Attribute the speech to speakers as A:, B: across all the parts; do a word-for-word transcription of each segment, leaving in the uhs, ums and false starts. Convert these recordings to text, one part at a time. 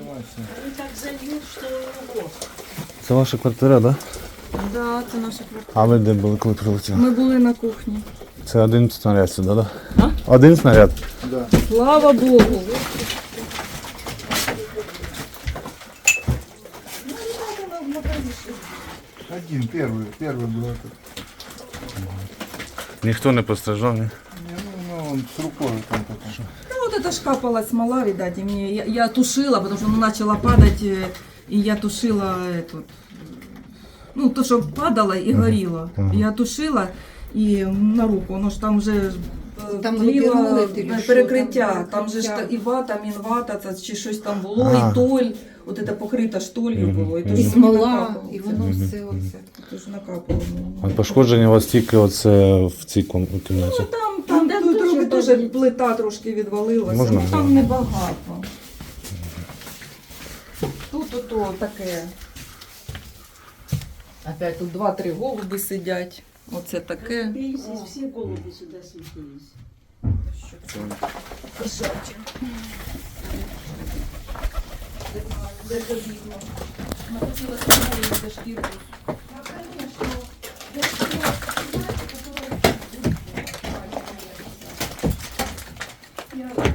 A: Они так зальют, что ого.
B: Це ваша квартира, так? Да?
C: Да, це наша квартира.
B: А ви де були, коли прилетіли?
C: Ми були на кухні.
B: Це один снаряд сюди, так? Да? Один снаряд?
D: Да.
C: Слава Богу.
D: Один, первый, первый был этот.
B: Ніхто не постраждав, ні?
D: Не, ну, ну, он с рукой там такой.
C: Ну вот это ж капала смола, видать, и мне, я, я тушила, потому что она начала падать, э, и я тушила эту, ну то, что падало и горело.
B: Мгм.
C: Я тушила и на руку, воно ж там вже
E: Там
C: тліло,
E: випірнули,
C: е,
E: що,
C: перекриття,
E: там
C: там же ж та-
E: перекриття.
C: і вата, мінвата, це чи щось там було,
B: А.
C: і толь, от це покрита штолью
B: Мгм.
C: було, і то
B: Мгм.
C: ж
E: І
C: мені
E: смола,
C: накапало
E: і
C: це.
E: воно
B: Мгм.
E: все оце.
C: То ж накапало мені.
B: А пошкодження у вас тільки оце в цій ком- кімнаті?
C: Ну там, там,
A: там
C: тут
A: дуже
C: трохи теж
A: добре.
C: плита трошки відвалилася,
B: Можна?
C: ну там небагато. Тут ото таке. Опять тут два-три голуби сидять. Оце таке.
A: Разбились, и все голуби сюда слетелись.
C: Кошаче. Де це видно? Находила сценарій за шкірку. Ну, конечно. Я хотіла сказати, Я-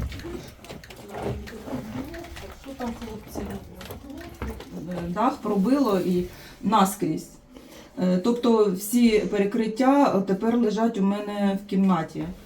C: Що там, хлопці? Е, Дах пробило і наскрізь. Е, Тобто всі перекриття тепер лежать у мене в кімнаті.